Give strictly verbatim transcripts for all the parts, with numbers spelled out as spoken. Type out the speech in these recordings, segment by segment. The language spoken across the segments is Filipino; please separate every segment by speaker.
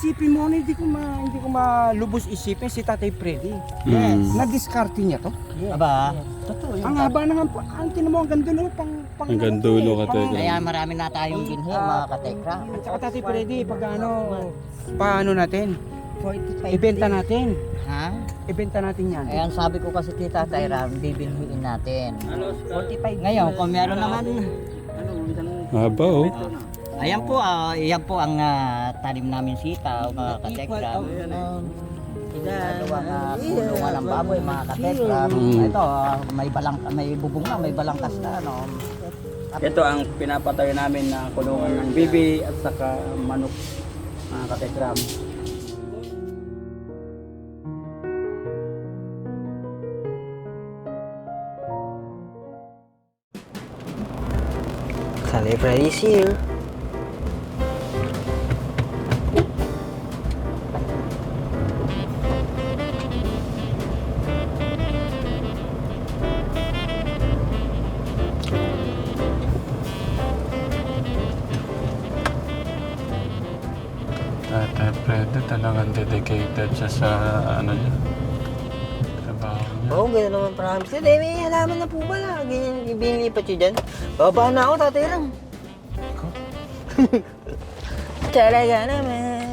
Speaker 1: Isipin mo, hindi ko ma hindi ko malubos isipin si Tatay Freddy.
Speaker 2: Yes.
Speaker 1: Na-discarte niya to.
Speaker 3: Aba, totoo yun.
Speaker 1: Ang haba na nga, pa- ang tinan mo, ang ganda no, pang pang
Speaker 2: Hanggang dulo ka,
Speaker 1: pang-
Speaker 2: Tekram.
Speaker 3: Kaya marami na tayong binhi, mga katekra.
Speaker 1: At saka Tatay Freddy, pag ano, paano natin?
Speaker 3: forty-five
Speaker 1: Ibenta natin.
Speaker 3: Ha?
Speaker 1: Ibenta natin yan.
Speaker 3: Ayan, sabi ko kasi kita, Tyram, bibilhin natin. forty-five. Ngayon, kung meron naman,
Speaker 2: Haba oh.
Speaker 3: ayan po, ah, yan po ang ah, tanim namin sitaw, mga katekra. Dalawang uh, kulungan ng baboy, mga katekra.
Speaker 2: Mm.
Speaker 3: Ito, ah, may balang, may bubong na, may balangkas na, no?
Speaker 4: Ito ang pinapatayo namin na kulungan ng bibi at saka manok, mga katekram.
Speaker 5: Tatay Freddy's here.
Speaker 2: Tatay Freddy talagang dedicated siya sa ano niya. Trabaho niya.
Speaker 5: Oo, oh, gano'n naman promise. Tatay, may halaman na po pala. Ganyan, ibinilipat yun dyan. Baba na ako, Tatay Ram. Talaga naman.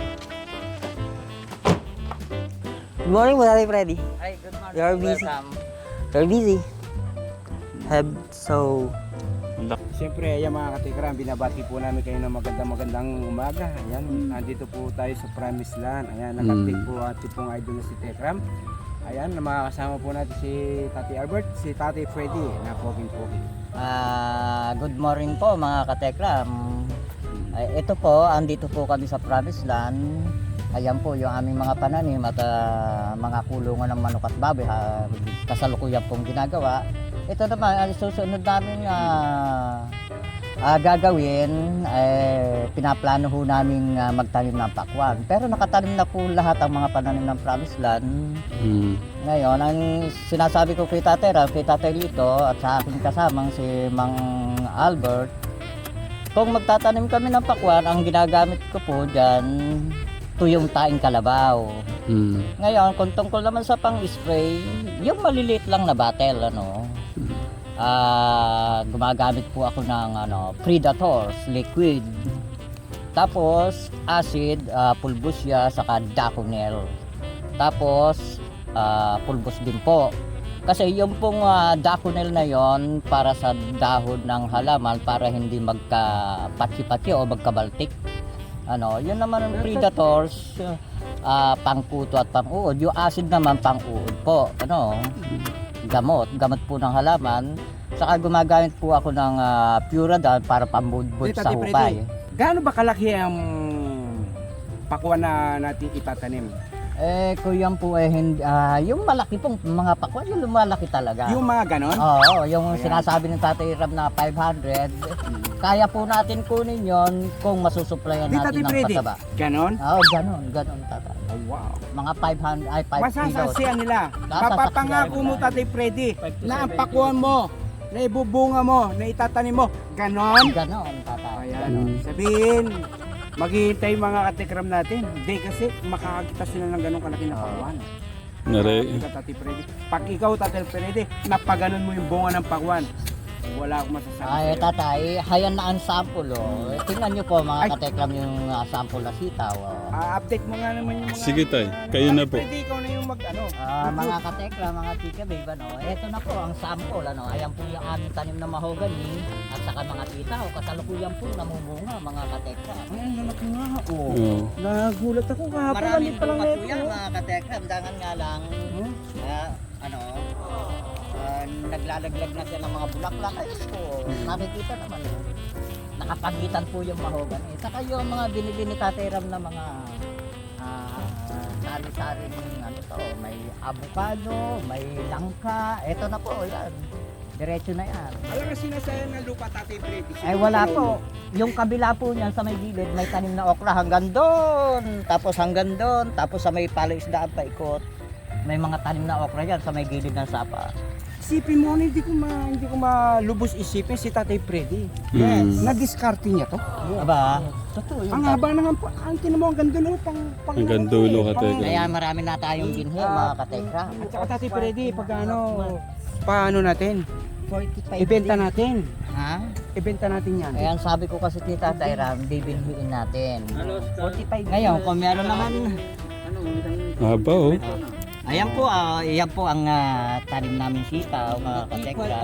Speaker 5: Good morning po, Tatay Freddy.
Speaker 3: Ay, good morning.
Speaker 5: You're busy.
Speaker 3: Welcome.
Speaker 5: You're busy. Have so...
Speaker 1: Siyempre, ayan mga katikram, binabati po namin kayo ng magandang magandang umaga. Ayan, nandito po tayo sa Promised Land. Ayan, nakatik po ating pong idol na si Tekram. Ayan, makakasama po natin si Tati Albert, si Tati Freddy, na poging-pogi.
Speaker 3: Ah, good morning po, mga katekram. Ay, ito po, andito po kami sa Promised Land. Ayan po yung aming mga pananim at ah, mga kulungan ng manok at baboy, ha, kasalukuyan pong ginagawa. Ito naman, ang susunod namin uh, uh, gagawin, eh, pinaplano ho namin uh, magtanim ng pakwan. Pero nakatanim na po lahat ang mga pananim ng Promised Land.
Speaker 2: Mm.
Speaker 3: Ngayon, ang sinasabi ko kay Tatay Ram, kay Tatay Lito at sa aking kasamang si Mang Albert, kung magtatanim kami ng pakwan, ang ginagamit ko po dyan, tuyong taing kalabaw.
Speaker 2: Mm.
Speaker 3: Ngayon, kung tungkol naman sa pang-spray, yung maliliit lang na bottle, ano, ah gumagamit po ako ng ano, Predators, liquid. Tapos, acid, uh, pulbusya, saka Daconel. Tapos, ah, pulbos din po. Kasi yung pong uh, Daconel na yon para sa dahon ng halaman para hindi magka-patsi-patsi o magkabaltik. Ano, yun naman ang Predators, uh, pangkuto at pang-uod. Yung acid naman pang-uod po. Ano, gamot, gamot po ng halaman. Saka gumagamit po ako ng uh, Puradan para pambudbud
Speaker 1: Hey,
Speaker 3: sa
Speaker 1: Tati
Speaker 3: hukay.
Speaker 1: Freddy, gaano ba kalaki ang pakwan na natin itatanim?
Speaker 3: Eh, kuyan po eh, hindi, ah, yung malaki pong mga pakwan, yung lumalaki talaga.
Speaker 1: Yung mga ganon?
Speaker 3: Oo, yung
Speaker 1: Ayan.
Speaker 3: sinasabi ng Tatay Ram na five hundred, kaya po natin kunin yon kung masusuplayan
Speaker 1: Di,
Speaker 3: natin
Speaker 1: Tati
Speaker 3: ng
Speaker 1: Freddy,
Speaker 3: pataba.
Speaker 1: ganon?
Speaker 3: Oo, ganun, ganun tatay.
Speaker 1: Oh, wow.
Speaker 3: Mga five hundred, ay five kilos.
Speaker 1: Masasasiyan nila.
Speaker 3: Sasaksiyan
Speaker 1: Papapangako
Speaker 3: nila.
Speaker 1: mo, Tatay Freddy, na ang pakwan mo, na ibubunga mo, na itatanim mo, ganon?
Speaker 3: Ganon, tatay.
Speaker 1: Ayan,
Speaker 2: Mm.
Speaker 1: sabihin, maghihintay mga katikram natin. Hindi kasi makakakita sila ng ganong kalaki na pakwan.
Speaker 2: Nare.
Speaker 1: Ikaw, Tati Freddy. Pag ikaw, Tati Freddy, napaganon mo yung bunga ng pakwan, wala akong masasabi
Speaker 3: Ay,
Speaker 1: sa'yo.
Speaker 3: tatay, hayan na ang sample, oh. Eh, tingnan nyo po, mga
Speaker 1: Ay.
Speaker 3: katekram, yung uh, sample na sitaw, oh.
Speaker 1: Ah, update mo nga naman yung mga...
Speaker 2: Sige, tay. Kayo na po.
Speaker 1: Freddy, ikaw na yung mag, ano.
Speaker 3: Ah, mga katekra, mga tika babe, ano, eto na po ang sample, ano, ayan po yung aming tanim na mahogany at saka mga titaw, kasalukuyan po namumunga, mga katekra.
Speaker 1: Ay, ang lalaki nga, oh.
Speaker 2: Oh.
Speaker 1: Nagulat ako kahapon.
Speaker 3: Maraming
Speaker 1: hindi pa lang
Speaker 3: bunga po
Speaker 1: ito.
Speaker 3: yan, mga katekra, dangan nga lang,
Speaker 1: Hmm?
Speaker 3: ah, ano, ah, naglalaglag na siya ng mga bulaklak, ay ko, nakikita naman, oh. Nakapagitan po yung mahogany, saka yung mga binili ni Tatay Ram na mga ah, sari-sari ano to, may avocado, may langka, eto na po, yan. Diretso na yan.
Speaker 1: Alam nga sinasayan ng lupa, Tatay Freddy.
Speaker 3: Ay wala po. Yung kabila po niyan sa may gilid, may tanim na okra hanggang doon. Tapos hanggang doon. Tapos sa may palaisdaan pa ikot. May mga tanim na okra yan sa may gilid ng sapa.
Speaker 1: Isipin mo, hindi ko ma hindi ko malubos isipin si Tatay Freddy.
Speaker 2: Yes.
Speaker 1: Na-discarte niya to.
Speaker 3: Aba, Totoo yun.
Speaker 1: Ang haba na nga po. Ang tinan mo, ang gandulo. Pang, pang,
Speaker 2: Hanggang dulo ka,
Speaker 1: pang-
Speaker 2: Tekram.
Speaker 3: Kaya marami na tayong binhi, mga katekra.
Speaker 1: At saka Tati Freddy, pag ano, paano natin?
Speaker 3: forty-five
Speaker 1: Ibenta natin.
Speaker 3: Ha?
Speaker 1: Ibenta natin yan.
Speaker 3: Ayan, sabi ko kasi ni Tatay Ram, bibinhiin natin. forty-five Ngayon, kung meron naman,
Speaker 4: Ano, isang
Speaker 2: Haba oh.
Speaker 3: ayan po, ah, ayan po ang ah, tanim namin sitaw, mga katekra.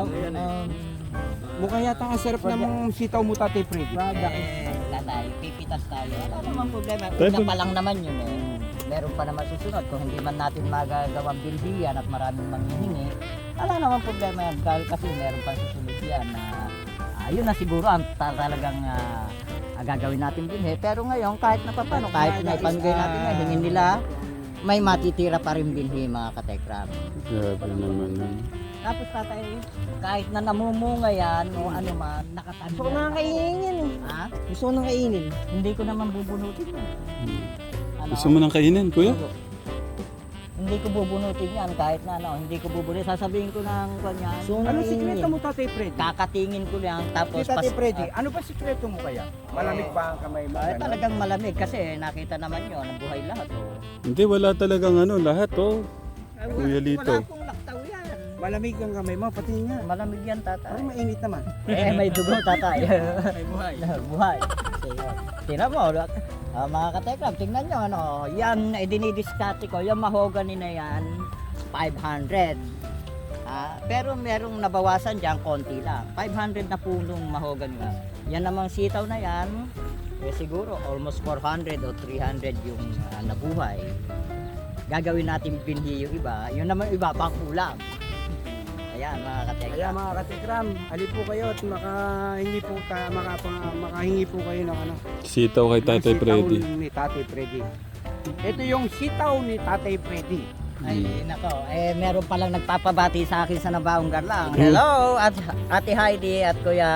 Speaker 1: Mukha yata ang sarap ng sitaw mo, Tati Freddy.
Speaker 3: Eh, tatay, pipitas tayo. Wala namang problema.
Speaker 2: Tayo
Speaker 3: Una
Speaker 2: po-
Speaker 3: pa lang naman yun eh. Meron pa naman susunod. Kung hindi man natin magagawang bilhiyan at maraming manghihingi, wala namang problema yan. Dahil kasi meron pa susunod yan na ah, yun na siguro ang ta- talagang ah, ah, gagawin natin bilhi. Pero ngayon, kahit na paano, kahit na ipamigay natin ngayon, hingin nila, may matitira pa rin bilhi, mga katekram.
Speaker 2: Grabe naman yun.
Speaker 3: Tapos tatay, kahit na namumunga yan o ano man, nakatanim.
Speaker 5: Gusto ko nang kainin yan eh.
Speaker 3: Ha?
Speaker 5: Gusto ko nang kainin.
Speaker 3: Hindi ko naman bubunutin yan.
Speaker 2: Hmm.
Speaker 3: Ano?
Speaker 2: Gusto mo nang kainin, kuya?
Speaker 3: Hindi ko bubunutin yan kahit na ano, hindi ko bubunutin. Sasabihin ko ng kanya,
Speaker 5: Gusto ko nang
Speaker 1: Ano
Speaker 5: kainin
Speaker 1: sikreto
Speaker 5: yan.
Speaker 1: mo, Tati Freddy?
Speaker 3: kakatingin ko lang tapos
Speaker 1: Si Tati
Speaker 3: pas-
Speaker 1: Freddy,
Speaker 3: ah,
Speaker 1: ano ba sikreto mo kaya? Malamig ba ang kamay mo?
Speaker 3: ay,
Speaker 1: Ganun?
Speaker 3: talagang malamig kasi nakita naman yun, ang buhay lahat. Oh.
Speaker 2: Hindi, wala talagang ano, lahat oh. Kuya Lito.
Speaker 3: Wala akong laktaw yan.
Speaker 1: Malamig ang kamay mo, pati nga.
Speaker 3: Malamig yan, tatay.
Speaker 1: Parang mainit naman.
Speaker 3: Eh, may dugo, tatay. May buhay. buhay. Tingnan mo, ah, mga katekram, tingnan nyo, ano, yan, eh, dinidiskarte ko, yung mahogany na yan, five hundred. Ah, pero merong nabawasan dyan, konti lang. five hundred na punong mahogany lang. Yan namang sitaw na yan, eh, siguro almost four hundred o three hundred yung ah, nabuhay. Gagawin natin binhi yung iba, yun naman iba, pang ulam. Ayan, mga katekram.
Speaker 1: Kaya mga katikram, halip po kayo at makahingi po, ta, maka, makahingi po kayo ng ano.
Speaker 2: Sitaw kay Tatay
Speaker 1: ng sitaw
Speaker 2: Freddy.
Speaker 1: ni Tatay Freddy. Ito yung sitaw ni Tatay Freddy.
Speaker 3: Ay, nako. Eh, meron palang nagpapabati sa akin sa Nabaong Garlang. Hello, at Ate Heidi at Kuya,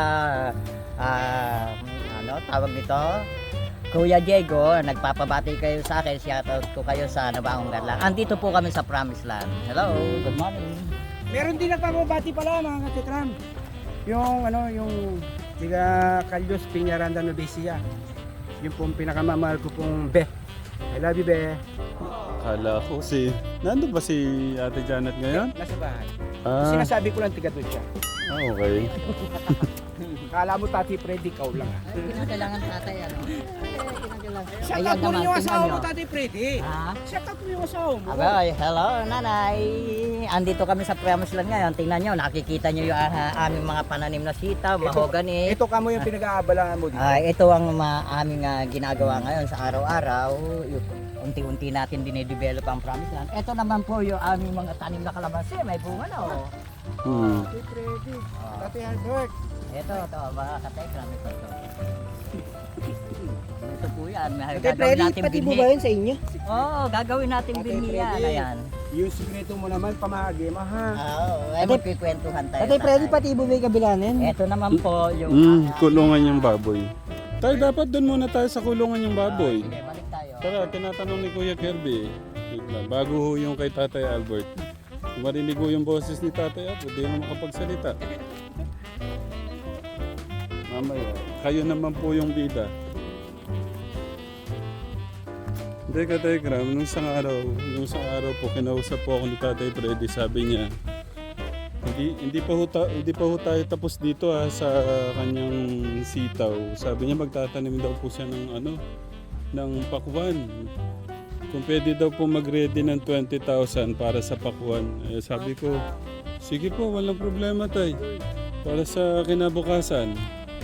Speaker 3: ah, ano, tawag nito? Kuya Diego, nagpapabati kayo sa akin. Shoutout ko kayo sa Nabaong Garlang. Andito po kami sa Promised Land. Hello, good morning.
Speaker 1: Meron din nagpapabati pala mga katikram. Yung ano, yung tiga Calyos Piñaranda Novecia. Yung pong pinakamamahal ko pong Be. I love you, Be.
Speaker 2: Kala ko si... Nandun ba si Ate Janet ngayon?
Speaker 1: Nasa bahay.
Speaker 2: Ah,
Speaker 1: Sinasabi ko lang tiga doon siya.
Speaker 2: ah, okay.
Speaker 1: Kala mo Tati Freddy, ikaw lang.
Speaker 3: Ay, kinakailangan tatay, ano? Ay, kinakailangan.
Speaker 1: Shout
Speaker 3: Ayan
Speaker 1: out mo rin
Speaker 3: naman,
Speaker 1: yung
Speaker 3: tingnan
Speaker 1: asawa mo,
Speaker 3: nyo.
Speaker 1: Tati Freddy.
Speaker 3: Ha?
Speaker 1: Shout out mo yung asawa mo.
Speaker 3: Abay, hello nanay. Andito kami sa Promised Land ngayon. Tingnan nyo, nakikita nyo yung ah, aming mga pananim na sitaw, mahogany.
Speaker 1: Ito ka mo yung pinag-aabalaan mo dito.
Speaker 3: Ay, ito ang ma- aming ah, ginagawa ngayon sa araw-araw. Yung unti-unti natin dinedevelop ang Promised Land. Ito naman po yung aming mga tanim na kalamansi. May bunga na oh.
Speaker 2: Hmm.
Speaker 1: Tati Freddy.
Speaker 3: Oh.
Speaker 1: Tati Albert.
Speaker 3: Ito, ito, mga katekram. Ito, ito. Ito po yan. May
Speaker 5: Ate
Speaker 3: gagawin
Speaker 5: Freddy,
Speaker 3: natin
Speaker 5: pati mo
Speaker 3: binhi.
Speaker 5: ba yun sa inyo?
Speaker 3: Oo, gagawin natin
Speaker 1: Ate
Speaker 3: binhi yan.
Speaker 1: Freddy.
Speaker 3: Ayan.
Speaker 1: Yung sikreto mo naman, pamahagi mo ha.
Speaker 3: Oo, ay
Speaker 5: Ate-
Speaker 3: magkikwentuhan tayo.
Speaker 5: Ate Freddy,
Speaker 3: tatay.
Speaker 5: pati mo ba yung kabilanin?
Speaker 3: Ito naman po yung...
Speaker 2: Hmm,
Speaker 3: ah,
Speaker 2: kulungan yung baboy. Tayo, dapat doon muna tayo sa kulungan yung baboy.
Speaker 3: Sige, balik tayo.
Speaker 2: Tara, tinatanong ni Kuya Kirby. Wait lang, bago ho yung kay Tatay Albert. Marinig ho yung boses ni Tatay Albert, di na makapagsalita. Mamaya, kayo naman po yung bida. Hindi ka, Telegram, nung isang araw, nung isang araw po, kinausap po ako ni Tatay Freddy, sabi niya, hindi, hindi pa ho, ta- hindi pa ho tayo tapos dito ha, sa kanyang sitaw. Sabi niya magtatanim daw po siya ng ano, ng pakwan. Kung pwede daw po mag-ready ng twenty thousand para sa pakwan. Eh, sabi ko, sige po, walang problema tay. Para sa kinabukasan.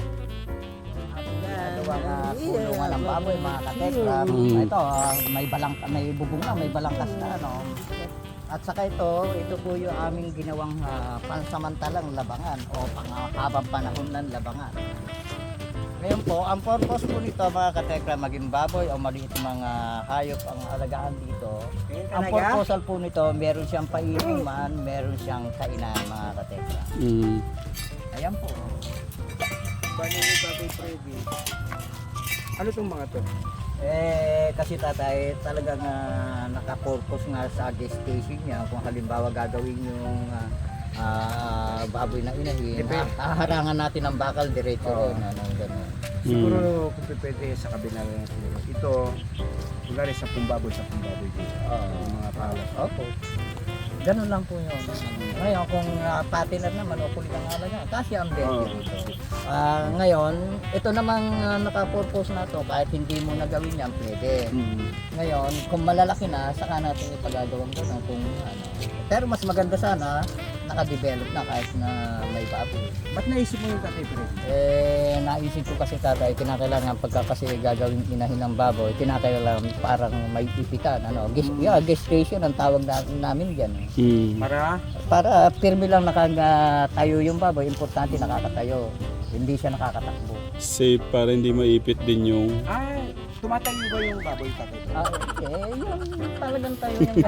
Speaker 3: Ito ang uh, kulungan ng baboy, mga katekram.
Speaker 2: Mm.
Speaker 3: Ito, ah, may balang, may bubong na, may balangkas na, ano. At saka ito, ito po yung aming ginawang ah, pansamantalang labangan o panghabang panahon ng labangan. Ngayon po, ang purpose po nito, mga katekram, maging baboy o maliit mga hayop ang alagaan dito. Ang
Speaker 1: Talaga?
Speaker 3: proposal po nito, meron siyang painuman, meron siyang kainan, mga katekram.
Speaker 2: Mm.
Speaker 3: Ayan po.
Speaker 1: Bali ni Tati Freddy. Ano tong mga to?
Speaker 3: Eh, kasi tatay, talagang uh, naka-purpose nga sa gestation niya. Kung halimbawa gagawin yung ah, ah, baboy na inahin,
Speaker 1: Depende.
Speaker 3: haharangan natin ang bakal diretso
Speaker 1: Oo.
Speaker 3: rin. Ano, ganun.
Speaker 1: Siguro kung pwede sa kabila na natin. Ito, kunwari sa pumbaboy, sa pumbaboy dito. Yung mga palas.
Speaker 3: Opo. Ganun lang po yun. Ngayon, kung uh, patiner naman o kulit ang ala niya, kasi ang best
Speaker 2: Oo.
Speaker 3: dito. Ah, ngayon, ito namang uh, naka-purpose na to, kahit hindi mo nagawin yan, pwede.
Speaker 2: Mm.
Speaker 3: Ngayon, kung malalaki na, saka natin ipagagawang gano'n kung ano. Pero mas maganda sana, naka-develop na kahit na may baboy.
Speaker 1: Ba't naisip mo yung Tatay Fred?
Speaker 3: Eh, naisip ko kasi tatay, kinakailangan pagka kasi gagawin inahin ng baboy, kinakailangan parang may ipitan, ano, gest, yeah, gestation ang tawag na, namin dyan. Eh.
Speaker 2: Mm.
Speaker 1: Para
Speaker 3: Para firme lang nakatayo yung baboy, importante nakakatayo, hindi siya nakakatakbo.
Speaker 2: Safe para hindi maipit din yung...
Speaker 1: ay, tumatayo ba yung baboy Tatay Fred?
Speaker 3: Ah, eh, yung talagang tayo yung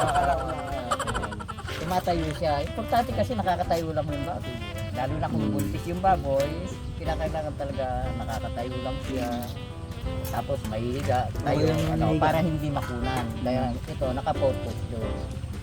Speaker 3: tumatayo siya. Importante kasi nakakatayo lang yung baboy. Lalo na kung buntis yung baboy, kinakailangan talaga nakakatayo lang siya. Tapos may higa, tayo ano, para hindi makunan. Kaya ito, naka-focus doon.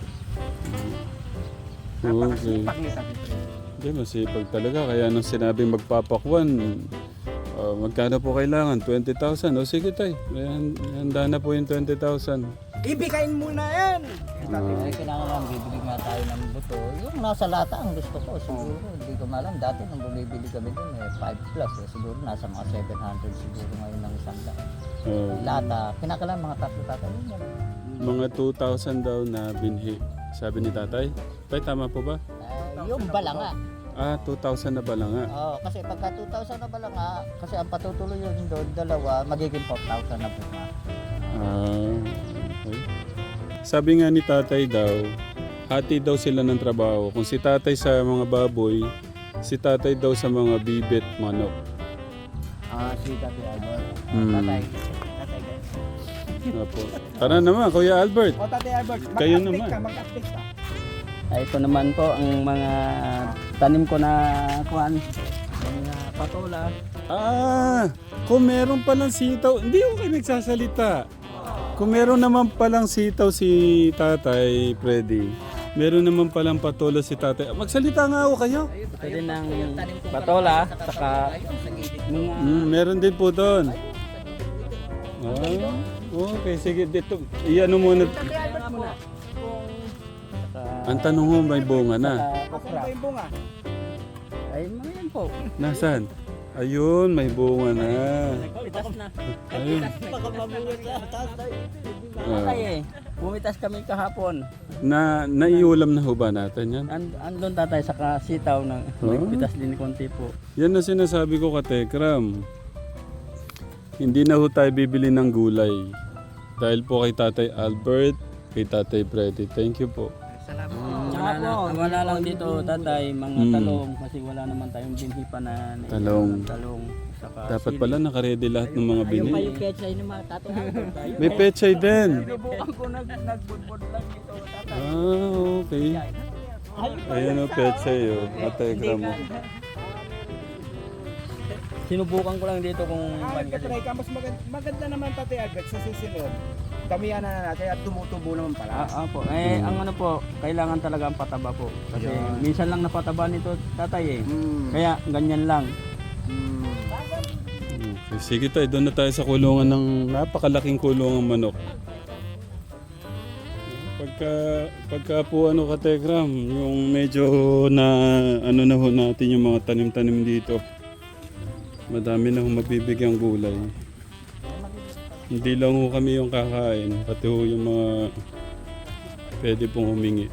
Speaker 2: Okay.
Speaker 1: Napakasipak ni Tatay Fred.
Speaker 2: Hindi, masipag talaga. Kaya nung sinabi magpapakwan, ah, magkano po kailangan? twenty thousand. O sige tay, Ayan, handa na po yung twenty thousand.
Speaker 1: Ibigay mo na yan!
Speaker 2: Ah.
Speaker 3: Ay, kinakailangan bibili nga tayo ng buto. Yung nasa lata ang gusto ko, siguro. Hindi ko malam. Dati nung bumibili kami dun, eh, five plus. Eh, siguro nasa mga seven hundred siguro ngayon ng isang lata.
Speaker 2: Oh,
Speaker 3: Lata, kinakailangan mga tatlo tatay. Yun yan.
Speaker 2: mga two thousand daw na binhi. Sabi ni tatay. Tay, tama po ba?
Speaker 3: Eh, yung balanga.
Speaker 2: Ah, two thousand na pala nga.
Speaker 3: Oo, kasi pagka two thousand na balanga, kasi ang patutuloy yun doon, dalawa, magiging four thousand na bunga.
Speaker 2: Ah, okay. Sabi nga ni tatay daw, hati daw sila ng trabaho. Kung si tatay sa mga baboy, si tatay daw sa mga bibit, manok.
Speaker 3: Ah, si Tatay Albert.
Speaker 2: Hmm.
Speaker 3: Tatay. Tatay guys.
Speaker 2: Apo. Tara naman, Kuya Albert.
Speaker 1: O Tatay Albert,
Speaker 2: Kayo
Speaker 1: mag-update
Speaker 2: naman.
Speaker 1: ka, mag-update ka.
Speaker 4: Ay, ito naman po ang mga tanim ko na kuan, mga patola.
Speaker 2: Ah, kung meron palang sitaw, hindi ko kayo nagsasalita. Kung meron naman palang sitaw si Tatay Freddy, meron naman palang patola si Tatay. Magsalita nga ako kayo.
Speaker 4: Ito din ng patola, saka mga
Speaker 2: Mm, meron din po doon. Ah, okay, sige. Dito, iyan muna.
Speaker 4: saka
Speaker 2: Ang tanong mo, may bunga na.
Speaker 1: Asan ba yung bunga?
Speaker 4: ay mga yan po.
Speaker 2: Nasaan? Ayun, may bunga na.
Speaker 4: Bumitas na.
Speaker 2: Ayun. Ah,
Speaker 4: Ay, eh. Bumitas kami kahapon.
Speaker 2: na naiulam na ho ba natin yan?
Speaker 4: And, andun tatay saka sitaw na
Speaker 2: Oh.
Speaker 4: nagpitas din konti po.
Speaker 2: Yan na sinasabi ko ka Tekram. Hindi na ho tayo bibili ng gulay. Dahil po kay Tatay Albert, kay Tatay Freddy. Thank you po.
Speaker 4: Wala, na, wala lang dito tatay, mga
Speaker 2: Mm.
Speaker 4: talong kasi wala naman tayong binhi pa na na-
Speaker 2: Talong.
Speaker 4: talong. Saka
Speaker 2: Dapat
Speaker 4: sili.
Speaker 2: pala nakaredy lahat ng mga
Speaker 3: Ayun pa
Speaker 2: binhi.
Speaker 3: yung petsay ng mga Tatay Albert. Ayun.
Speaker 2: May pechay din.
Speaker 4: Sinubukan ko nag nagbudbud lang dito tatay.
Speaker 2: Ah, okay. Ayan o, pechay o. Kategram mo.
Speaker 4: Sinubukan ko lang dito kung
Speaker 1: Ah,
Speaker 4: maganda.
Speaker 1: try ka, mas maganda, maganda naman Tatay Albert sa susunod. Damihan na natin at tumutubo naman pala.
Speaker 4: Ah, ah po. Eh,
Speaker 2: Mm.
Speaker 4: ang ano po, kailangan talaga ang pataba po. Kasi
Speaker 1: Yan.
Speaker 4: minsan lang napataba nito tatay eh.
Speaker 1: Mm.
Speaker 4: Kaya ganyan lang.
Speaker 1: Mm.
Speaker 2: Okay, sige tayo, doon na tayo sa kulungan ng napakalaking kulungan manok. Pagka, pagka po ano Kategram, yung medyo na ano na ho natin yung mga tanim-tanim dito. Madami na ho mabibigyang gulay. Hindi lang ho kami yung kakain, pati ho yung mga pwede pong humingi.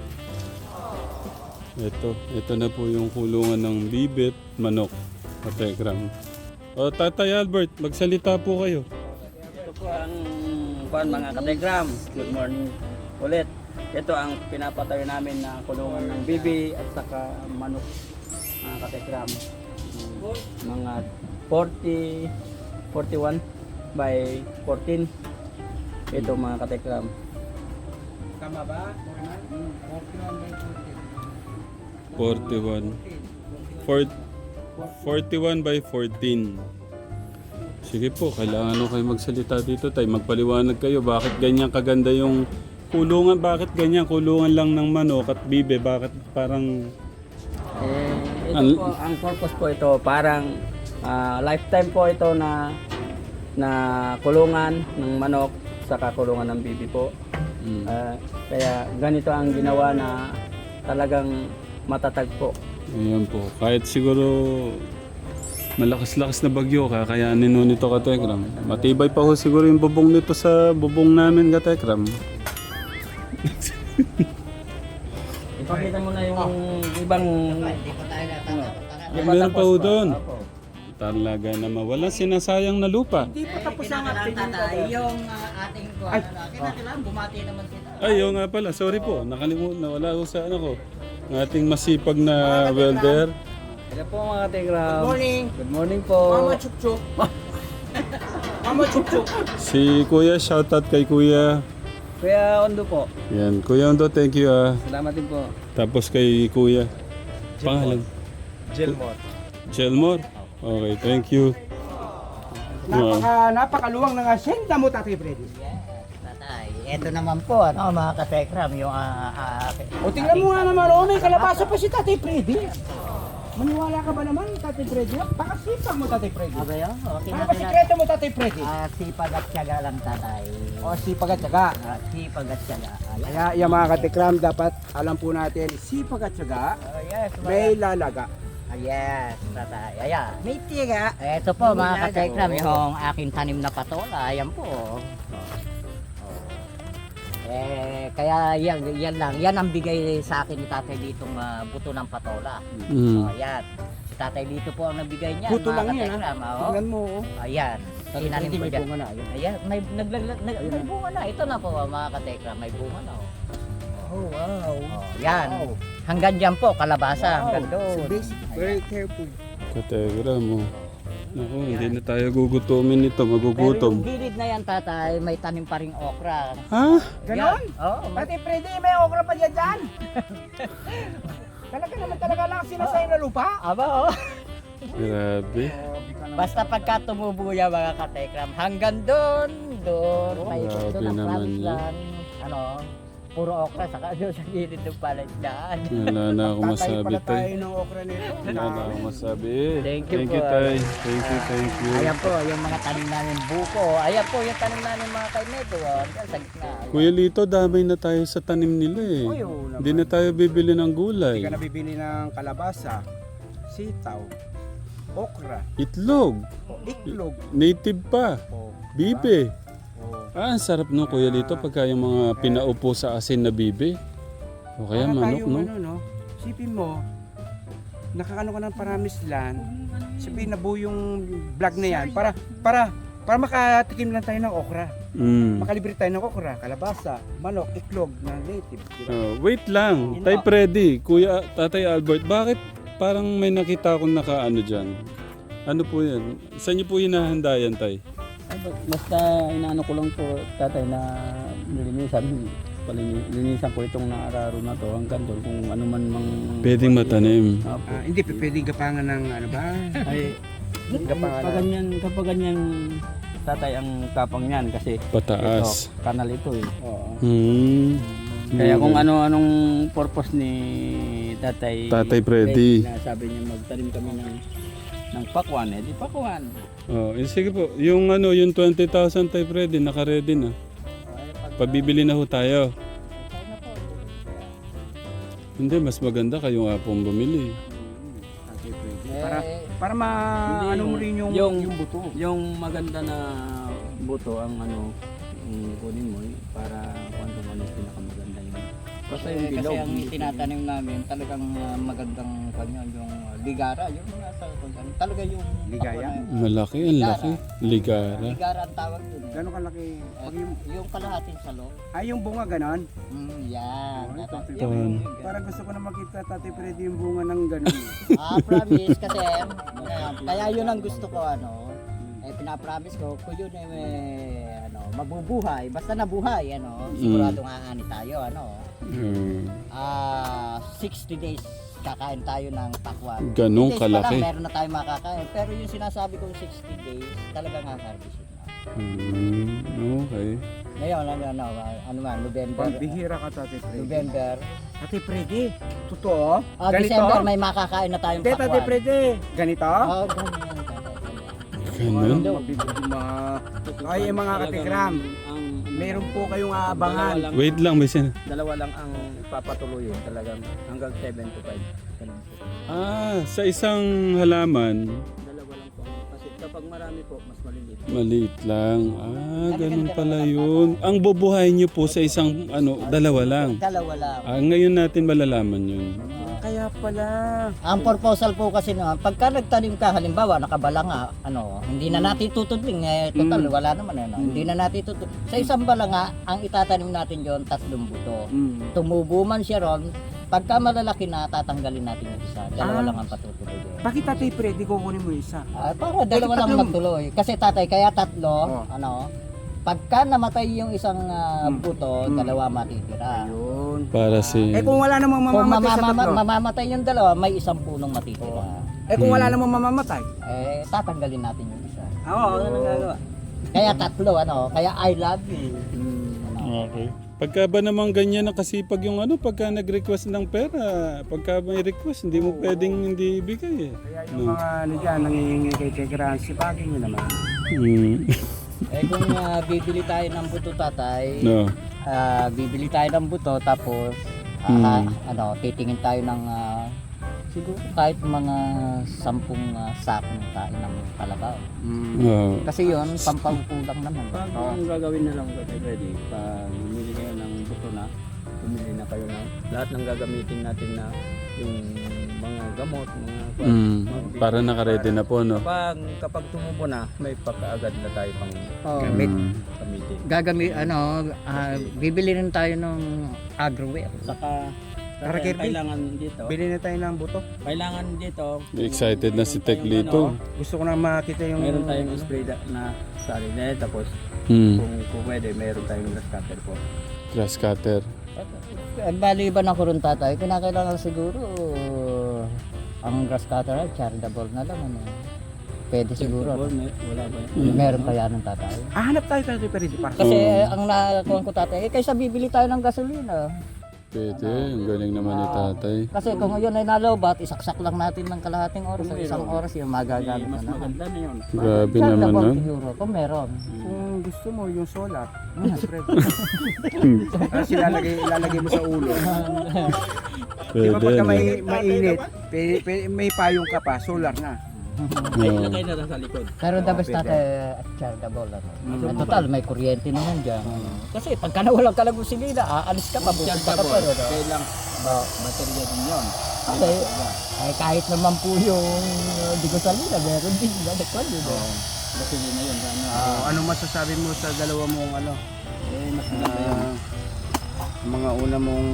Speaker 2: Ito, ito na po yung kulungan ng bibit, manok, Kategram. O Tatay Albert, magsalita po kayo.
Speaker 4: Ito po ang kuan mga kategram. Good morning ulit. Ito ang pinapatayo namin na kulungan ng bibi at saka manok mga kategram. Mga forty, forty-one by fourteen. Ito mga kategram.
Speaker 1: Tama ba?
Speaker 2: forty-one. Four- forty-one by fourteen. Sige po, kailangan nyo kayo magsalita dito tayo. Magpaliwanag kayo, bakit ganyan kaganda yung kulungan, bakit ganyan kulungan lang ng manok at bibe, bakit parang
Speaker 4: Eh, ito
Speaker 2: Ang-
Speaker 4: po, ang purpose po ito, parang Ah, lifetime po ito na na kulungan ng manok sa kulungan ng bibi po.
Speaker 2: Mm.
Speaker 4: Ah, kaya ganito ang ginawa na talagang matatag po.
Speaker 2: Ayan po. Kahit siguro malakas-lakas na bagyo, kakayanin nun ito Katekram. Matibay pa ho siguro yung bubong nito sa bubong namin Katekram.
Speaker 4: Ipakita mo na yung ibang...
Speaker 3: Hindi pa tayo natatawa.
Speaker 2: Ay, meron pa ho doon.
Speaker 4: Opo.
Speaker 2: Talaga naman. Walang sinasayang na lupa.
Speaker 3: Hindi pa tapos ang activity. Yung uh, ating kuha na lang. Kinakailangan bumati naman sila.
Speaker 2: Ay, yung nga pala. Sorry po. Nakalimutan. Nawala ko sa ano ko. Ng ating masipag na welder.
Speaker 4: Hello po mga Telegram.
Speaker 5: Good morning.
Speaker 4: Good morning po.
Speaker 5: Mama Chukchuk. Mama Chukchuk.
Speaker 2: Si Kuya, shoutout kay Kuya.
Speaker 4: Kuya Ondo po.
Speaker 2: Yan. Kuya Ondo, thank you ah.
Speaker 4: Salamat din po.
Speaker 2: Tapos kay Kuya. Pangalan?
Speaker 1: Jelmore.
Speaker 2: Jelmore. Okay, thank you. Wow.
Speaker 1: Napaka, napakaluwang ng asyenda mo, Tatay Freddy.
Speaker 3: Yes, tatay. Ito naman po, ano, mga katekram, yung uh, uh,
Speaker 1: O tingnan mo nga naman, oh, may kalabasa pa si Tatay Freddy. Maniwala ka ba naman, Tatay Freddy? Pakasipag mo, Tatay Freddy.
Speaker 3: Okay, oh, okay
Speaker 1: Ano
Speaker 3: na
Speaker 1: ba
Speaker 3: sila.
Speaker 1: sikreto mo, Tatay Freddy?
Speaker 3: Ah, sipag at tiyaga lang, tatay.
Speaker 1: O sipag at syaga.
Speaker 3: Ah, sipag at tiyaga. Ayan.
Speaker 1: Kaya yung mga katikram, dapat alam po natin, sipag at syaga,
Speaker 3: Oh, yes,
Speaker 1: may lalaga.
Speaker 3: Ah, yes, tatay. Ayan. May tiyaga. Ito po, mga katekram, yung aking tanim na patola. Ayan po. Oh. Eh, kaya yan, yan lang. Yan ang bigay sa akin ni tatay ditong ah, buto ng patola.
Speaker 2: Mm.
Speaker 3: Oh, yan. Si tatay dito po ang nagbigay niyan.
Speaker 1: Buto
Speaker 3: mga
Speaker 1: lang yan, ha?
Speaker 3: katekram, oh.
Speaker 1: Tingnan mo, oh.
Speaker 3: Ayan.
Speaker 1: Tatay
Speaker 3: Tinanim
Speaker 1: Freddy,
Speaker 3: ko
Speaker 1: may
Speaker 3: dyan.
Speaker 1: bunga na. Ayun.
Speaker 3: Ayan, may, naglaglag, nag, may bunga na. Ito na po, mga katekram. May bunga na. Oh.
Speaker 1: Oh, wow.
Speaker 3: Oh, yan.
Speaker 1: Wow.
Speaker 3: Hanggang dyan po, kalabasa. Hanggang
Speaker 1: So
Speaker 3: doon.
Speaker 1: basic, very careful.
Speaker 2: Kategram mo. Naku, hindi na tayo gugutumin nito.
Speaker 3: Pero
Speaker 2: Magugutom.
Speaker 3: yung gilid na yan, tatay, may tanim pa ring okra.
Speaker 2: Ha?
Speaker 1: Ganon?
Speaker 3: Yan. Oo, may-
Speaker 1: Tatay Freddy, may okra pa dyan dyan. Talaga naman talaga lang sinasay na lupa.
Speaker 3: Aba, oh.
Speaker 2: Grabe.
Speaker 3: Basta pagka tumubo yan, mga katekram, hanggang doon, doon, may
Speaker 2: Grabe
Speaker 3: doon ang
Speaker 2: naman
Speaker 3: promise
Speaker 2: yun.
Speaker 3: land. Ano, puro okra, saka doon sa gilid ng palaisdaan.
Speaker 2: Wala na ako
Speaker 1: Tatay
Speaker 2: masabi
Speaker 1: pala tayo
Speaker 2: tay.
Speaker 1: ng okra nito.
Speaker 2: Wala na ako masabi.
Speaker 3: Thank you
Speaker 2: Thank
Speaker 3: po.
Speaker 2: you tay. Thank you, thank you.
Speaker 3: Ayan po, yung mga tanim namin buko. Ayan po, yung tanim namin mga kaineto. Oh. Diyan sa gitna. Ayan.
Speaker 2: Kuya Lito, damay na tayo sa tanim nila eh.
Speaker 1: Uy, oo naman.
Speaker 2: Hindi na tayo bibili ng
Speaker 1: Hindi
Speaker 2: gulay.
Speaker 1: ka nabibili ng kalabasa, sitaw, okra,
Speaker 2: Itlog.
Speaker 1: o iklog,
Speaker 2: Native pa.
Speaker 1: o
Speaker 2: Bibe.
Speaker 1: o
Speaker 2: Ah, ang sarap no Kuya Lito pagka yung mga pinaupo sa asin na bibe. O kaya
Speaker 1: para
Speaker 2: manok
Speaker 1: tayong
Speaker 2: no?
Speaker 1: ano, no? Sipin mo, nakakano ka ng Paramis Land, sabihin na buo yung vlog na yan, para, para, para makatikim lang tayo ng okra.
Speaker 2: Mm.
Speaker 1: Makalibre tayo ng okra, kalabasa, manok, iklog na native. Diba?
Speaker 2: Oh, wait lang. Tay Freddy, Kuya Tatay Albert, bakit parang may nakita akong nakaano dyan? Ano po yan? Saan niyo po hinahanda yan, Tay?
Speaker 4: Ay, ba- Basta inaano ko lang po tatay na nilinisan. Palinisan ko itong naararo na to hanggang doon kung ano man mang...
Speaker 2: Pwedeng matanim.
Speaker 4: Apo.
Speaker 1: Ah, hindi, p- pwedeng gapangan ng ano ba?
Speaker 4: Ay,
Speaker 1: Gapangan
Speaker 4: kapag
Speaker 1: na.
Speaker 4: ganyan, kapag ganyan tatay ang kapang niyan kasi
Speaker 2: Pataas.
Speaker 4: ito, kanal ito eh. Oo.
Speaker 2: Hmm.
Speaker 4: Kaya kung ano-anong purpose ni tatay
Speaker 2: Tatay Freddy.
Speaker 4: na sabi niya magtanim kami ng ng pakwan, eh di pakwan.
Speaker 2: Oh, eh, sige po. Yung ano, yung twenty thousand Tay Freddy, naka-ready na. Pabibili na ho tayo. Hindi, mas maganda kayo nga pong bumili.
Speaker 1: Okay, pwede. Para,
Speaker 3: Eh,
Speaker 1: para ma,
Speaker 4: Hindi,
Speaker 1: ano mo
Speaker 4: yung-
Speaker 1: rin yung,
Speaker 4: yung-
Speaker 1: yung buto.
Speaker 4: Yung maganda na buto ang ano, yung kunin mo eh, para kung ano ano pinakamaganda yun. Basta yung
Speaker 3: Kasi,
Speaker 4: bilog.
Speaker 3: kasi ang tinatanim namin talagang uh, magandang kanya yung uh, ligara, yung mga sa talaga yung
Speaker 1: Ligaya?
Speaker 2: Malaki, ang laki. Ligara.
Speaker 3: Ligara ang tawag dun. Eh.
Speaker 1: Gano'ng kalaki? Pag yung,
Speaker 3: Yung kalahating salong.
Speaker 1: ay, yung bunga ganon.
Speaker 3: Mm, yan.
Speaker 1: Ay,
Speaker 3: Tata-
Speaker 1: Tatay
Speaker 3: yung-
Speaker 2: Freddy.
Speaker 3: yung-
Speaker 1: Parang gusto ko na makita Tatay Freddy yung bunga ng ganon.
Speaker 3: Ah, promise kasi uh, kaya yun ang gusto ko ano. Eh pinapromise ko kung yun eh may, ano, mabubuhay, basta nabuhay ano, siguradong aani tayo ano.
Speaker 2: Hmm.
Speaker 3: Ah, sixty days kakain tayo ng pakwan.
Speaker 2: Ganong
Speaker 3: fifty days pa lang,
Speaker 2: kalaki.
Speaker 3: meron na tayo makakain. Pero yung sinasabi kong sixty days, talagang harvest na.
Speaker 2: Hmm. Okay.
Speaker 3: Ngayon, ano, ano, ano man, November.
Speaker 1: Pambihira ka Tatay Freddy.
Speaker 3: November.
Speaker 1: Tatay Freddy, totoo?
Speaker 3: Ah,
Speaker 1: Ganito?
Speaker 3: December may makakain na tayong
Speaker 1: Hindi, Tatay
Speaker 3: pakwan.
Speaker 1: Freddy. Ganito?
Speaker 3: Oh, ganyan, tatay.
Speaker 2: Ganun?
Speaker 1: Ay, mga katikram,
Speaker 4: Ang,
Speaker 1: meron po kayong aabangan.
Speaker 4: Dalawa lang,
Speaker 2: Wait lang, may sin...
Speaker 4: dalawa lang ang papatuloyin talagang hanggang seven to five. Ganun po.
Speaker 2: Ah, sa isang halaman,
Speaker 4: Dalawa lang po. Kasi kapag marami po, mas maliliit.
Speaker 2: maliit lang. Ah, ganun pala yun. Ang bubuhayin nyo po sa isang, ano, dalawa lang.
Speaker 3: Dalawa lang.
Speaker 2: Ah, ngayon natin malalaman yun.
Speaker 1: Kaya pala.
Speaker 3: Ang proposal po kasi naman, pagka nagtanim ka, halimbawa, nakabala nga, ano, hindi na natin tutudling, eh, total,
Speaker 2: Mm.
Speaker 3: wala naman, ano, hindi na natin tutudling. Sa isang balanga, ang itatanim natin yon tatlong buto.
Speaker 1: Mm.
Speaker 3: Tumubo man siya ron, pagka malalaki na, tatanggalin natin yung isa. Dalawa
Speaker 1: Ah.
Speaker 3: lang ang patutuloy.
Speaker 1: Bakit tatay Freddy kukunin mo isa?
Speaker 3: Ah, para dalawa lang
Speaker 1: tatlong-
Speaker 3: magtuloy. Kasi tatay, kaya tatlo,
Speaker 1: Oh.
Speaker 3: ano, pagka namatay yung isang ah,
Speaker 1: Mm.
Speaker 3: buto,
Speaker 1: Mm.
Speaker 3: dalawa matitira.
Speaker 1: Ayun.
Speaker 2: Para si...
Speaker 1: Eh kung wala namang
Speaker 3: Kung
Speaker 1: mamamatay sa
Speaker 3: mamama-
Speaker 1: tatlo.
Speaker 3: mamamatay yung dalawa, may isang punong matitira.
Speaker 1: Eh kung wala
Speaker 2: Hmm.
Speaker 1: namang mamamatay.
Speaker 3: Eh, tatanggalin natin yung isa.
Speaker 1: Oo, ano nang gagawa?
Speaker 3: Kaya tatlo, ano, kaya I love you.
Speaker 2: Okay. Pagka ba naman ganyan nakasipag yung ano, pagka nag-request ng pera, pagka may request, hindi mo pwedeng hindi ibigay eh.
Speaker 1: Kaya yung mga ano dyan, nangihingi kay Tekran, sipagin nyo naman.
Speaker 2: Hmm.
Speaker 3: Eh kung ah, bibili tayo ng buto tatay,
Speaker 2: No.
Speaker 3: ah, bibili tayo ng buto tapos ah,
Speaker 2: Hmm.
Speaker 3: ano, titingin tayo ng ah, siguro kahit mga sampung uh, sakong tayo ng kalabaw.
Speaker 1: Mm.
Speaker 2: Oh.
Speaker 3: Kasi yon pampangkulang naman.
Speaker 4: Pag ang gagawin na lang ko kay Freddy, pag bumili kayo ng buto na, bumili na kayo ng lahat ng gagamitin natin na yung mga gamot, mga
Speaker 2: Mm.
Speaker 4: mga-
Speaker 2: Para nakaredy na po, no?
Speaker 4: Kapag, kapag tumubo na, may pagkaagad na tayo pang
Speaker 3: Oh,
Speaker 1: Gamit.
Speaker 2: Mm.
Speaker 4: gamitin.
Speaker 3: Gagamit ano, ah, bibili rin tayo ng agroware.
Speaker 4: Saka,
Speaker 1: Tara,
Speaker 4: saka
Speaker 1: Kirby.
Speaker 4: kailangan dito,
Speaker 1: Bili na tayo ng buto.
Speaker 4: kailangan dito,
Speaker 2: Excited na si
Speaker 4: meron
Speaker 2: Tek
Speaker 4: tayong
Speaker 2: Lito.
Speaker 4: ano,
Speaker 1: Gusto ko na makita yung...
Speaker 4: Meron tayong spray da- na sarili, tapos
Speaker 2: Hmm.
Speaker 4: kung, kung pwede, meron tayong grass cutter po.
Speaker 2: Grass cutter.
Speaker 3: Eh, bali ba na ko rin tatay? Kinakailangan siguro ang grass cutter ay charitable na lang. Ano. Pwede siguro.
Speaker 4: Ball, may- wala ba yun?
Speaker 2: Mm.
Speaker 3: Meron pa yan ng tatay.
Speaker 1: Ah, hanap tayo tayo Freddy para sa...
Speaker 3: Kasi
Speaker 2: Oo.
Speaker 3: ang nakakuha ko tatay, eh kaysa bibili tayo ng gasolina.
Speaker 2: Pwede. Ang galing naman ni tatay.
Speaker 3: Kasi kung ngayon ay nalobat, isaksak lang natin ng kalahating oras o isang oras yung
Speaker 4: Eh,
Speaker 3: magagamit
Speaker 4: mas
Speaker 3: na naman.
Speaker 4: maganda na yun.
Speaker 2: Grabe naman,
Speaker 3: Charitable
Speaker 2: no?
Speaker 3: siguro, kung meron.
Speaker 1: Kung gusto mo yung solar, Freddy. Tapos ilalagay, ilalagay mo sa ulo. Di ba
Speaker 2: Pwede,
Speaker 1: pagka
Speaker 2: no?
Speaker 1: may mainit, pe, pe, may payong ka pa, solar na.
Speaker 4: Ay,
Speaker 2: Oo.
Speaker 4: ilagay na lang sa likod.
Speaker 3: Pero the best natin, charitable. Ano. Eh, total, may kuryente naman dyan. Kasi pagka nawalang ka ng gasolina, aalis ka pa, bukas pa ka pa.
Speaker 4: Chargeable.
Speaker 3: No?
Speaker 4: Kailang baterya din yun.
Speaker 3: Kasi, ay kahit naman po yung uh, di ko salina, meron din. Nadakwan yun. eh.
Speaker 4: Baterya na yun. Ano,
Speaker 1: Oh, ano masasabi mo sa dalawa mong ano?
Speaker 4: eh, mas maganda yun.
Speaker 1: ah, mga una mong...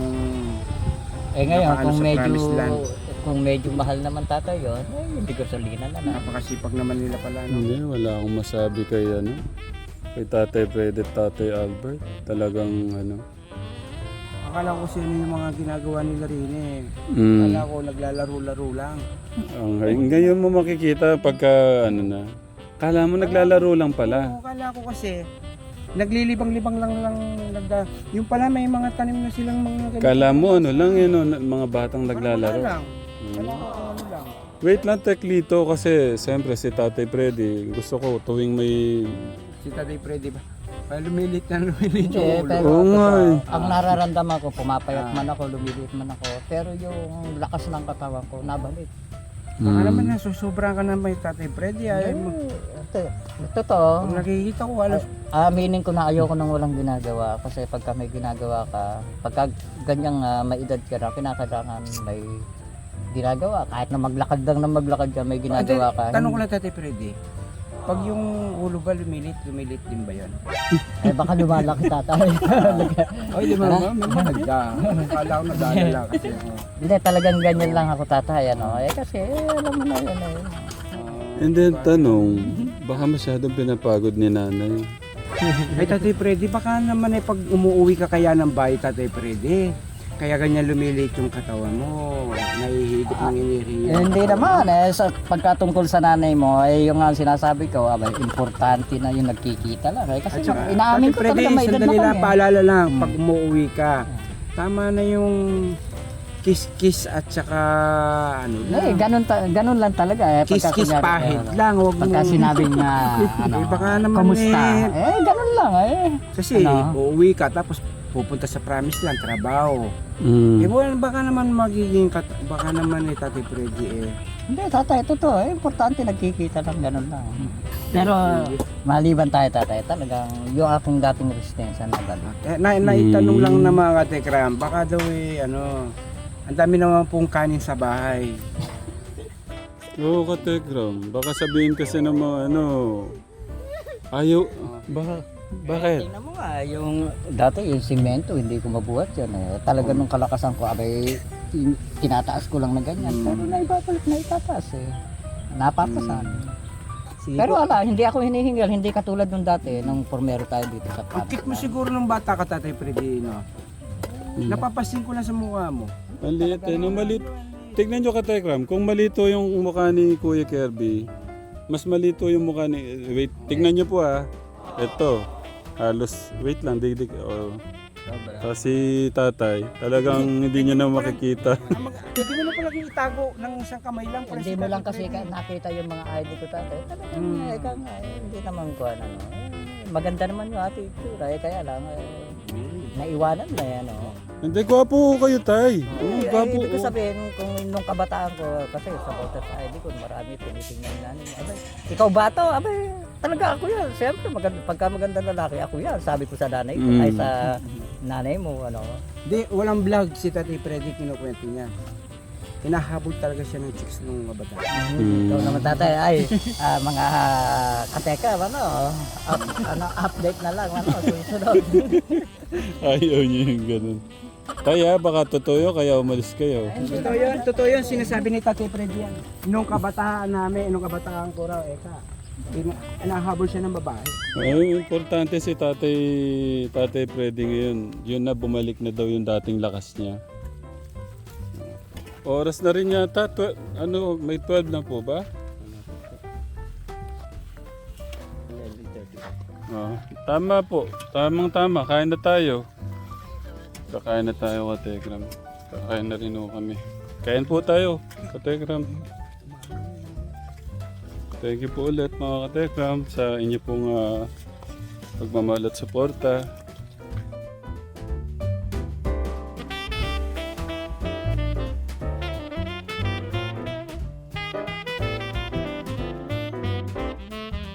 Speaker 3: Eh ngayon,
Speaker 1: Napakano
Speaker 3: kung
Speaker 1: sa
Speaker 3: medyo,
Speaker 1: promised land.
Speaker 3: kung medyo mahal naman tatay yun, eh, hindi ko salina na lang.
Speaker 1: Napakasipag naman nila pala. No?
Speaker 2: Hindi, wala akong masabi kay ano. Kay Tatay Fred at Tatay Albert. Talagang ano.
Speaker 1: Akala ko sino yung mga ginagawa nila rin eh.
Speaker 2: Mm.
Speaker 1: Akala ko naglalaro-laro lang.
Speaker 2: Ang, ngayon mo makikita pagka ano na. Kala mo naglalaro lang pala.
Speaker 1: Oo, akala ko kasi naglilibang-libang lang lang nagda. Yung pala may mga tanim na silang mga ganito.
Speaker 2: Kala mo ano lang yun, oh, mga batang
Speaker 1: Parang
Speaker 2: naglalaro.
Speaker 1: wala lang.
Speaker 2: Mm.
Speaker 1: Kala ko ano lang.
Speaker 2: Wait lang, Teklito, kasi siyempre si Tatay Freddy, gusto ko tuwing may...
Speaker 1: Si Tatay Freddy ba? Pa lumilit na lumilit
Speaker 3: Hindi,
Speaker 1: yung ulo.
Speaker 3: pero
Speaker 2: Oo nga eh.
Speaker 3: ang nararamdaman ko, pumapayat
Speaker 1: Ah.
Speaker 3: man ako, lumiliit man ako, pero yung lakas ng katawan ko, nabalik.
Speaker 1: Baka
Speaker 2: Mm.
Speaker 1: naman nasusobra ka na may Tatay Freddy. Ay, mo.
Speaker 3: Ito, totoo.
Speaker 1: Pag nakikita ko, halos
Speaker 3: Aminin ko na ayoko nang walang ginagawa kasi pagka may ginagawa ka, pagka ganyang uh, may edad ka na, kinakailangan may ginagawa. Kahit na maglakad lang na maglakad ka, may ginagawa ka.
Speaker 1: Tanong ko lang Tatay Freddy. Pag yung ulo ba lumilit, lumilit din ba yun?
Speaker 3: Eh baka lumalaki tatay.
Speaker 1: Ay, di ba ba? May maganda. Akala ko nadala lang kasi. oh.
Speaker 3: Hindi, talagang ganyan lang ako tatay. Ano? Eh kasi, eh, alam mo na yun. Eh.
Speaker 2: And then tanong, baka masyadong pinapagod ni nanay.
Speaker 1: Ay, Tatay Freddy, baka naman eh pag umuwi ka kaya ng bahay, Tatay Freddy, kaya ganyan lumilit yung katawan mo, nahihigop ng
Speaker 3: Eh,
Speaker 1: iniriya.
Speaker 3: hindi naman eh. Sa, pagkatungkol sa nanay mo, eh, yung nga sinasabi ko, abay, importante na yung nagkikita lang. Eh. Kasi
Speaker 1: At saka,
Speaker 3: inaamin ko
Speaker 1: Tatay Freddy,
Speaker 3: talaga may edad na
Speaker 1: sandali lang,
Speaker 3: kami.
Speaker 1: paalala lang,
Speaker 3: Hmm.
Speaker 1: pag umuwi ka, tama na yung kiss-kiss at saka ano
Speaker 3: Eh,
Speaker 1: lang.
Speaker 3: ganun, ta- ganun lang talaga. Eh, pagka
Speaker 1: Kiss-kiss
Speaker 3: kunyari,
Speaker 1: pahid
Speaker 3: eh,
Speaker 1: lang. Huwag
Speaker 3: Pagka
Speaker 1: mo.
Speaker 3: sinabing nga, ano,
Speaker 1: Eh, baka naman
Speaker 3: kamusta?
Speaker 1: eh.
Speaker 3: Eh, ganun lang eh.
Speaker 1: Kasi
Speaker 3: Ano?
Speaker 1: uuwi ka tapos pupunta sa promise lang, trabaho.
Speaker 2: Mm.
Speaker 1: Eh, well, baka naman magiging, kat- baka naman eh, Tati Freddy eh.
Speaker 3: Hindi, tatay, totoo. Eh, importante nagkikita lang, ganun lang. Pero, maliban tayo, tatay, talagang yung aking dating resistensya na balik.
Speaker 1: Eh, na, naitanong
Speaker 2: Mm.
Speaker 1: lang na mga katekram, baka daw eh, ano, ang dami naman pong kanin sa bahay.
Speaker 2: Oo, Kategram. Baka sabihin kasi ng mga ano, ayaw, baka, bakit?
Speaker 3: Tingnan mo nga, yung dati yung simento, hindi ko mabuhat yan eh. Talaga nung kalakasan ko, abay, tin- tinataas ko lang na ganyan. Pero naibabalik na itataas eh. Napapasan.
Speaker 1: Sige,
Speaker 3: Pero ala, hindi ako hinihingal, hindi katulad nung dati, nung formero tayo dito sa
Speaker 1: ang cute mo
Speaker 3: Pakistan.
Speaker 1: siguro nung bata ka, Tatay Freddy, no?
Speaker 2: Mm.
Speaker 1: Napapasin ko lang sa mukha mo.
Speaker 2: Maliit eh, no, maliit. Tignan nyo Kategram, kung malito yung mukha ni Kuya Kirby, mas malito yung mukha ni, wait, tignan nyo po ah. Ito, halos, wait lang, digdig, oh. Kasi tatay, talagang hindi nyo na makikita.
Speaker 1: Hindi mo na pala itago ng isang kamay lang. pala
Speaker 3: Hindi
Speaker 1: si
Speaker 3: mo
Speaker 1: Tatay
Speaker 3: lang kasi
Speaker 1: Freddy.
Speaker 3: ka, nakita yung mga I D ko tatay. Talagang
Speaker 1: Mm.
Speaker 3: eh, ikaw nga, eh, hindi naman ko ano. Eh, maganda naman yung ate itsura, eh, kaya lang, eh, naiwanan na yan. Oh.
Speaker 2: Hindi, gwapo kayo tay. Oo,
Speaker 3: Eh,
Speaker 2: gwapo.
Speaker 3: ibig ko
Speaker 2: oh.
Speaker 3: sabihin, kung nung kabataan ko, kasi sa voters I D ko, marami tinitingnan namin. Abay, ikaw ba to? Abay, talaga ako yan. Siyempre, maganda, pagka maganda lalaki, ako yan. Sabi ko sa nanay ko,
Speaker 2: Mm.
Speaker 3: ay sa nanay mo, ano.
Speaker 1: Di, walang vlog si Tatay Freddy, kinukwento niya. Hinahabol talaga siya ng chicks nung bata.
Speaker 2: Mm.
Speaker 3: Ikaw naman tatay, ay, ah, mga kateka, ano, up, ano, update na lang, ano, susunod.
Speaker 2: Ayaw nyo yung ganun. Kaya baka totoo yun, kaya umalis kayo.
Speaker 1: Totoo yun, totoo yun, sinasabi ni Tatay Freddy yan. Nung kabataan namin, nung kabataan ko raw, eka, ina- hinahabol siya ng babae.
Speaker 2: Ay, importante si tatay, tatay Freddy ngayon. Yun na, bumalik na daw yung dating lakas niya. Oras na rin yata. Twe- ano, may twelve na po ba? Oh, tama po. Tamang tama. Kain na tayo. Kakain na tayo, Kategram. Kakain na rin ho kami. Kain po tayo, Kategram. Thank you po ulit mga Kategram sa inyo pong ah, pagmamahal at suporta.